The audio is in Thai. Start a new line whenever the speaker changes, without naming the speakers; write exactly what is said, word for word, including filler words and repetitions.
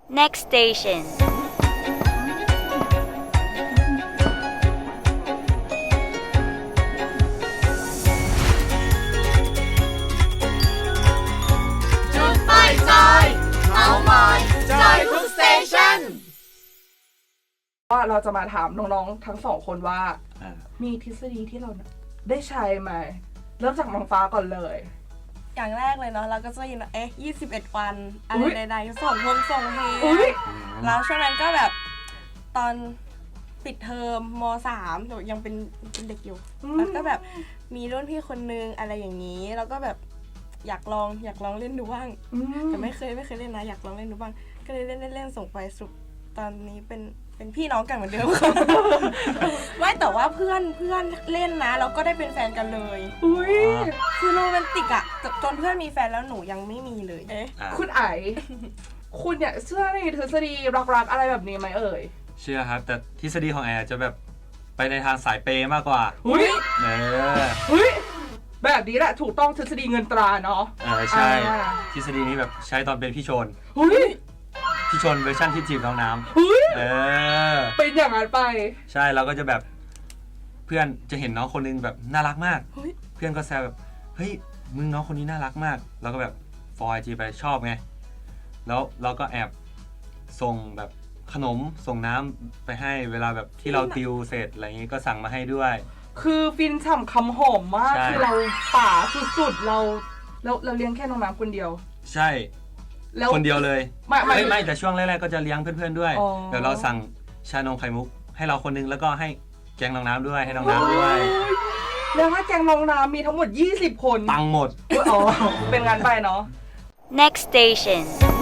Next station.
จุดไปจอยเมาท์มอยจอยทุกสเตชันว่าเราจะมาถามน้องๆทั้งสองคนว่ามีทฤษฎีที่เราได้ใช้ไหมเริ่มจากน้องฟ้าก่อนเลย
อย่างแรกเลยเนาะเราก็จะยินว่าเอ๊ะยี่สิบเอ็ดวันอะ
อุ๊
ไร
ย
ใดๆส่งพงส่งเฮ
อุ๊ย
แล้วช่วงนั้นก็แบบตอนปิดเทอมมสามหนูยังเป็นเป็นเด็กอยู่แล้วก็แบบมีรุ่นพี่คนนึงอะไรอย่างนี้แล้วก็แบบอยากลองอยากลองเล่นดูบ้าง
อืม
แต่ไม่เคยไม่เคยเล่นนะอยากลองเล่นดูบ้างก็เลยเล่นเล่นเล่นส่งไปสรุปตอนนี้เป็นเป็นพี่น้องกันเหมือนเดิม ไม่แต่ว่าเพื่อนเพื่อนเล่นนะแล้วก็ได้เป็นแฟนกันเลย
อุ้ย
คือโรแมนติกอะจนเพื่อนมีแฟนแล้วหนูยังไม่มีเลยเอ๊ะ
คุณไอคุณเนี่ยเชื่อในทฤษฎีรักๆอะไรแบบนี้ไหมเอ่ย
เชื่อครับแต่ทฤษฎีของแอร์จะแบบไปในทางสายเปย์มากกว่า
อุ้ย
เออ
อุ้ยแบบนี้แหละถูกต้องทฤษฎีเงินตราเนาะ
เออใช่
อ่า
ทฤษฎีนี้แบบใช้ตอนเป็นพี่ชน
อุ้ย
พี่ชนเวอร์ชันที่จีบน้องน้
อุ้ย
ำเออ
เป็นอย่างนั้นไป
ใช่เราก็จะแบบเพื่อนจะเห็นน้องคนนึงแบบน่ารักมาก
เฮ้ย
เพื่อนก็แซวแบบเฮ้ยมึงน้องคนนี้น่ารักมากเราก็แบบฟอยจีไปชอบไงแล้วเราก็แอบส่งแบบขนมส่งน้ำไปให้เวลาแบบที่เราติวเสร็จอะไรอย่างงี้ก็สั่งมาให้ด้วย
คือฟินฉ่ำคำหอมมาก
ใช่
คือเราป่าสุดๆเราเราเราเลี้ยงแค่น้องน้ำคนเดียว
ใช่
แล้ว
คนเดียวเลย
ไม่ไม่
ไม่ไม่แต่ช่วงแรกๆก็จะเลี้ยงเพื่อนๆด้วย
อ๋อ
เดี๋ยวเราสั่งชานมไข่มุกให้เราคนนึงแล้วก็ให้แกงน้องน้ำด้วยให้น้องน้ำด้วย
แล้วถ้าแกงน้องน้ำมีทั้งหมดยี่สิบคน
ตังค์หมด
อ๋อเป็นงานไปเนาะ
Next station.